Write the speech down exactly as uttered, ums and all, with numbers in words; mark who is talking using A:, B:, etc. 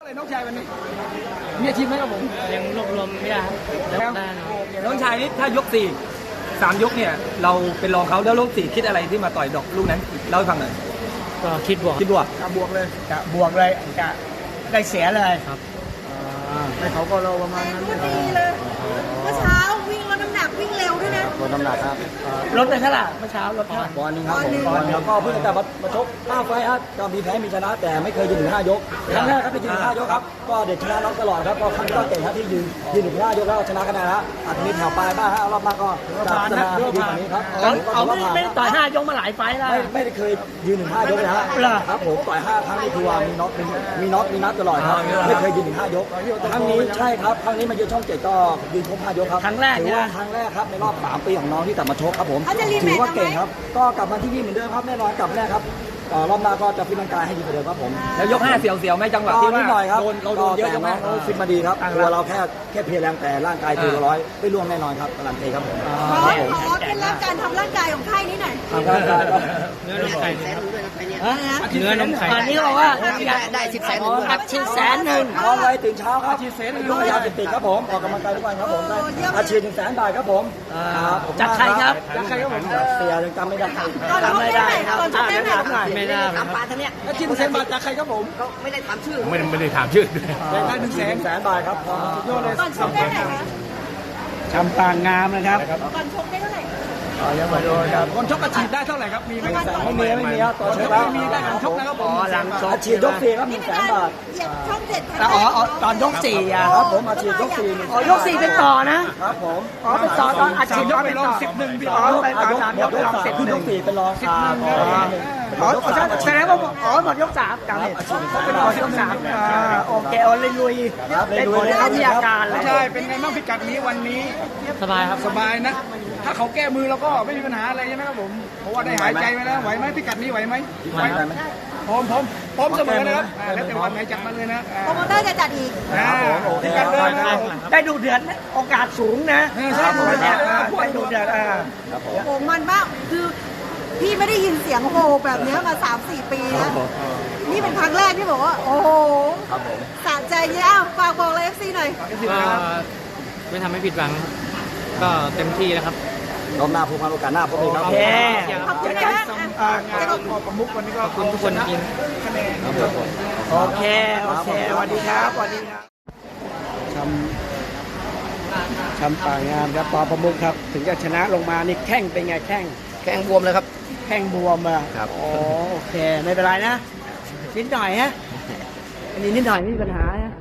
A: อะไรน้องชายวันนี้มีอาชีพไหมครับผม
B: ยังรวบรวมไม่ได้แล้วได้นะ
A: น้องชายนี่ถ้ายกสี่สามยกเนี่ยเราเป็นรองเขาแล้วยกสี่คิดอะไรที่มาต่อยดอกลูกนั้นเล่าให้ฟังหน่อย
B: ก็คิดบวก
A: คิดบวก
C: กะบวกเลยกะบวกเลยกะได้เสียเลย
B: ครับ
C: ให้เขาก็เราประมาณนั้น
D: ก็ดีเลยเมื่อเช้าวิ่งลดน้ำหนักวิ่งเร็วด้วยนะ
C: ลดน้ำหนักครับลดไปเท่าไหร่เมื่อเช้าลดเท่าไหร่
A: บอลนึงครับผมบอลแล้วก็เพิ่งจะมาชกห้าไฟครับก็มีแพ้มีชนะแต่ไม่เคยยืนถึงห้ายกครั้งแรกครับที่ยืนถึงห้ายกครับก็เด็ดชนะน็อกตลอดครับก็ครั้งนี้ก็เก่งครับที่ยืนยืนถึงห้ายกแล้วชนะคะแนนแล้วอาจจะมีแถวปลายบ้างฮะรอบมากก็จะพัฒนาให้ดีกว่านี้ครับ
C: เขาไม่ไม่ต่อยห้ายกมาหลายไฟแล้ว
A: ไม่ไม่ได้เคยยืนถึงห้ายกเลยฮะครับผมต่อยห้าครั้งนี่คือว่ามีน็อกมีน็อกมีนัดตลอดครับไม่เคยยืนถึงห้ายกครั้งนี้ใช่ครับครั้งนี้มายืนช่องเจ็ดก็ยืนครบห้ายกครับ
C: ครั้งแรก
A: ถือว่าครั้งแรกครับในรอบสามปีของน้องที่กลับมาชกครับผมถือว่าเก่งครับก็กลับมาที่นี่เหมือนเดิมครับแน่นอนกลับแน่ครับรอบหน้าก็จะฟิตร่างกายให้ดีกว่าเดิมครับผมแล้วยกห้าเสียวๆไหมจังหวะที่ว่าโดนเราโดนเยอะจังไหมฟิตมาดีครับตัวเราแค่แค่เพียรแรงแต่ร่างกายตัวร้อยไม่ร่วงแน่นอนครับการันตีครับผม
D: ขอขอเคล็ดลับการทำร่างกายของค่ายนี้หน่อย
A: ทำร่างกายก็
B: เนื้อนมไข่เนื้อนมไข่
C: ตอนนี้บอกว่าได้สิบแสนอัดฉีดแสนหนึ่ง
A: นอนไวตื่นเช้าครับอาชีพเสรีรู้ยาติดติดครับผมออกกำลังกายทุกวันครับผมได้อาชีพหนึ่งแสนบาทครับผม
C: จากใครครับ
A: จากใครครับผมเสียยังจำไม่ได้
D: จำไม่ได้ครับจำไม่ได้
B: ไม่ได้
C: ถามปาท่านเนี้ย
A: อาชีพหนึ่งแสนบาทจากใครครับผม
C: ไม่ได้ถามชื่อ
B: ไม่ไม่ได้ถามชื่อ
A: ได้หนึ่งแสนแสนบาทครับสุดยอดเลย
D: ก่อนชกได้ไหนคะ
C: ชำปางงามนะครับ
D: ก่อนชกได้เท่าไหร่
A: อ๋อยังมาดูครับคนชกอาชีพได้เท่าไหร่ครับมีไหมไม่มีไม่มีครับตอนชกไม่มีได้หลังชกนะครับผม
C: หลังชก
A: อาชีพยกสี่ครับหนึ่งแสนบาท
D: ช่องเจ็ด
C: อ๋อตอนยกสี่อ่ะ
A: ครับผมอาชีพยกสี่
C: อ๋อยกสี่เป็นต่อนะครับ
A: ผม
C: อ๋อเป็นต่อตอนอาชีพ
A: ยกเป็นรองสิบหนึ่งพี่อ๋อไปตอนยกเป็นรองสิบหนึ่งยกสี่เป็นรองสิบหนึ่ง
C: อ๋อแสดงว่าอ๋อหมดยกสามจำเลยเป็นรองยกสามโอเคโอ้เลยลุยได้ผลแล้วมีอาการเลย
A: ใช่เป็นไงบ้างพิกัดนี้วันนี้
B: สบายครับ
A: สบายนะถ้าเขาแก้มือเราก็ไม่มีปัญหาอะไรใช่ไหมครับผมเพราะว่าได้หายใจไปแล้วไหวไหมพิกัดนี้ไหวไหมไหวพร้อมพร้อมพร้อมเสมอนะครับแล้วแต่วันไหนจัดมาเลยนะ
D: โปรโมเตอร์จะจัดอีก
A: พิกัดเลยนะ
C: ได้ดูเดือดโอกาสสูงนะ
A: ใช่
C: ได้ดูเดือดอ่า
D: โอ้มันมากคือพี่ไม่ได้ยินเสียงโหแบบนี้มา สามสี่ ปีแล้วนี่เป็นครั้งแรกที่บอกว่าโอ้โหสะใจเนี่ยฝากบอกเลย เอฟ ซี หน่อย
B: ไม่ทำให้ผิดหวังก็เต็มที่นะครับ
A: รอบหน้าผู้พันโอกาสหน้าพบกันครับ
C: โอเค
D: ขอบคุณนะ
A: จะขอบประมุขวันนี้ก็
B: ขอบคุณทุกคนจริง
C: โอเคโอเคสวัสดีครับสวัสดีครับชำชำป่างามครับปอประมุขครับถึงจะชนะลงมานี่แข้งเป็นไงแข้ง
A: แข้งบวมเลยครับ
C: แข้งบวมอ่ะ
A: ครับ
C: โอเคไม่เป็นไรนะนิดหน่อยฮะอันนี้นิดหน่อยไม่มีปัญหานะ